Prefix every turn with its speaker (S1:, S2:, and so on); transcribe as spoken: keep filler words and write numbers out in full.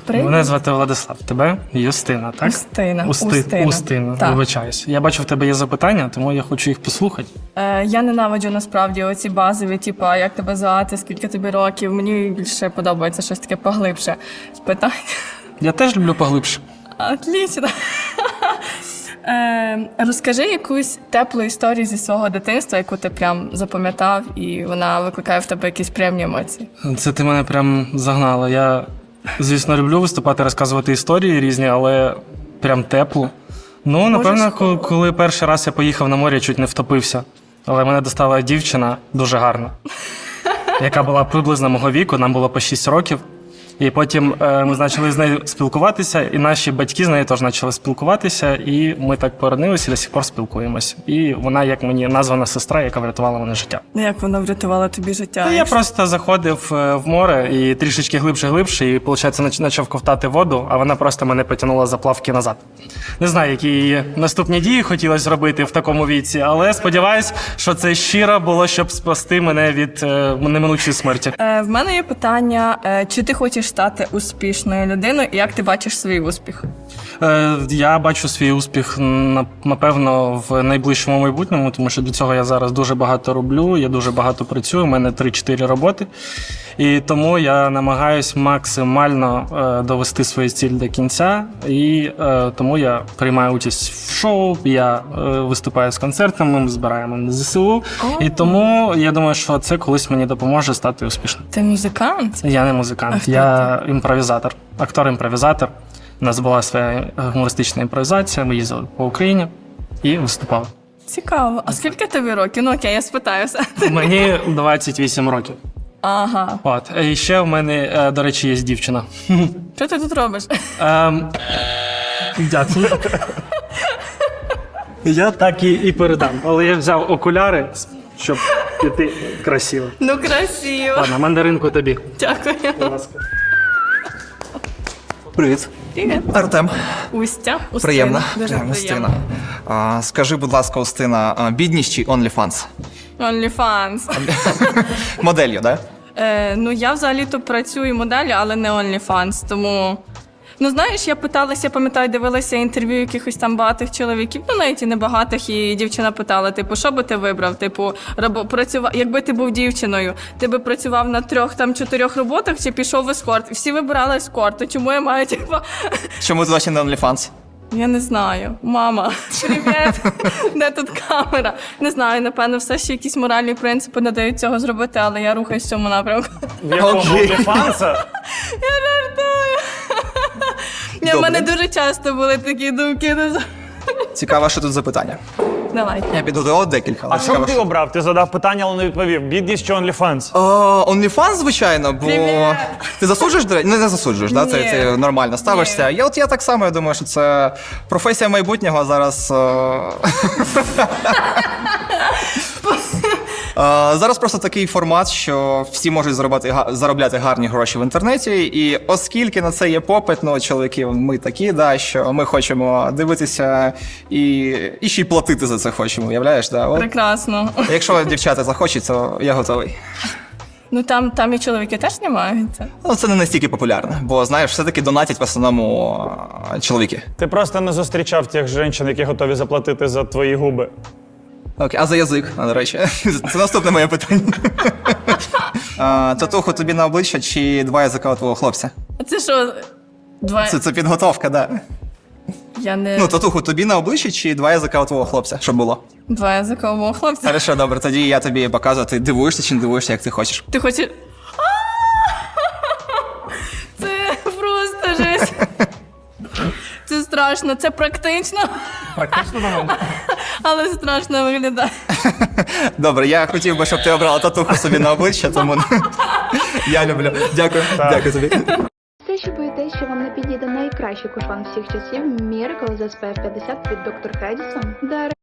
S1: Привіт.
S2: Мене звати Владислав. Тебе Юстина, так?
S1: Устина.
S2: Усти...
S1: Устина.
S2: Устина,
S1: Так.
S2: вибачаюсь. Я бачу, в тебе є запитання, тому я хочу їх послухати.
S1: Е, я ненавиджу насправді оці базові, типу, як тебе звати, скільки тобі років. Мені більше подобається щось таке поглибше. Питання.
S2: Я теж люблю поглибше.
S1: Отлично. Е, розкажи якусь теплу історію зі свого дитинства, яку ти прям запам'ятав, і вона викликає в тебе якісь приємні емоції.
S2: Це ти мене прям загнала. Я, звісно, люблю виступати, розказувати історії різні, але прям теплу. Ну, напевно, коли, коли перший раз я поїхав на море, чуть не втопився. Але мене достала дівчина дуже гарна, яка була приблизно мого віку, нам було по шість років. І потім е, ми почали з нею спілкуватися, і наші батьки з нею теж почали спілкуватися, і ми так породнилися і до сих пор спілкуємось. І вона, як мені названа сестра, яка врятувала мене життя.
S1: Ну, як вона врятувала тобі життя?
S2: Та я просто заходив е, в море і трішечки глибше-глибше, і, виходить, почав ковтати воду, а вона просто мене потягнула за плавки назад. Не знаю, які її наступні дії хотілося зробити в такому віці, але сподіваюсь, що це щиро було, щоб спасти мене від е, неминучої смерті.
S1: Е, в мене є питання, е, чи ти хочеш стати успішною людиною, і як ти бачиш свій успіх?
S2: Е, Я бачу свій успіх, на- напевно, в найближчому майбутньому, тому що для цього я зараз дуже багато роблю, я дуже багато працюю, у мене три-чотири роботи. І тому я намагаюсь максимально е, довести свою ціль до кінця, і е, тому я приймаю участь в шоу, я е, виступаю з концертами, ми збираємо на зе се у, і тому я думаю, що це колись мені допоможе стати успішним.
S1: Ти музикант?
S2: Я не музикант,
S1: А хто
S2: я імпровізатор, актор-імпровізатор. У нас була своя гумористична імпровізація, ми їздили по Україні і виступали.
S1: Цікаво. А скільки тобі років? Ну окей, я спитаюся.
S2: Мені двадцять вісім років.
S1: Ага.
S2: От. І ще в мене, е, до речі, є дівчина.
S1: Що ти тут робиш?
S2: Ем, Дякую. Я так і, і передам. Але я взяв окуляри, щоб піти красиво.
S1: Ну, красиво.
S2: Ладно, мандаринку тобі.
S1: Дякую.
S2: Будь ласка.
S3: Привіт.
S1: Привіт.
S3: Артем.
S1: Устя. Устина.
S3: Приємно.
S1: Дуже
S3: Приємно,
S1: приємно.
S3: Устина. А, скажи, будь ласка, Устина, а, бідність чи OnlyFans?
S1: OnlyFans.
S3: Моделью, да?
S1: Е, ну, я взагалі-то працюю моделлю, але не OnlyFans, тому... Ну, знаєш, я питалася, пам'ятаю, дивилася інтерв'ю якихось там багатих чоловіків, ну, навіть і небагатих, і дівчина питала, типу, що би ти вибрав? Типу, рабо, працював, якби ти був дівчиною, ти би працював на трьох, там, чотирьох роботах чи пішов в ескорт? Всі вибирали ескорт, то чому я маю, типу...
S3: Чому ти досі не OnlyFans?
S1: Я не знаю. Мама, привіт. Де тут камера? Не знаю, напевно, все ще якісь моральні принципи не дають цього зробити, але я рухаюсь в цьому напрямку.
S2: В якому OnlyFans?
S1: Я жартую. Ні, в мене дуже часто були такі думки.
S3: Цікаво, що тут за питання.
S1: Давай.
S3: Я підготував декілька. але
S4: А що
S3: цікаво,
S4: б ти обрав? Ти задав питання, але не відповів. Бідність чи OnlyFans?
S3: О, OnlyFans, звичайно, бо
S1: Привіт.
S3: ти засуджуєш, до речі? Ну, не засуджуєш, да? Це,
S1: Ні.
S3: це нормально ставишся. Я от я так само, я думаю, що це професія майбутнього, а зараз. о, Е, Зараз просто такий формат, що всі можуть заробляти, га- заробляти гарні гроші в інтернеті, і оскільки на це є попит, ну, чоловіки, ми такі, да, що ми хочемо дивитися і, і ще й платити за це хочемо, уявляєш? Да? От,
S1: Прекрасно.
S3: якщо дівчата захочуть, то я готовий.
S1: Ну там, там і чоловіки теж знімаються.
S3: Ну, це не настільки популярно, бо, знаєш, все-таки донатять в основному а, чоловіки.
S4: Ти просто не зустрічав тих жінок, які готові заплатити за твої губи.
S3: Окей, а за язик, а, до речі, це наступне моє питання. А, татуху тобі на обличчя чи два язика у твого хлопця?
S1: А це що? Два...
S3: Це, це підготовка, да.
S1: Я не...
S3: Ну, татуху тобі на обличчі чи два язика у твого хлопця, щоб було?
S1: Два язикового хлопця.
S3: Хорошо, добре, тоді я тобі показую, ти дивуєшся чи не дивуєшся, як ти хочеш.
S1: Ти хочеш... Це просто жесть. Це страшно, це практично,
S2: Практично момент.
S1: але страшно виглядає.
S3: Добре, я хотів би, щоб ти обрала татуху собі на обличчя, тому я люблю. Дякую, дякую тобі.
S5: Все, що боїтесь, що вам не підійде найкращий кушван всіх часів Miracle з ес пі еф п'ятдесят від доктор Хедісон, Дар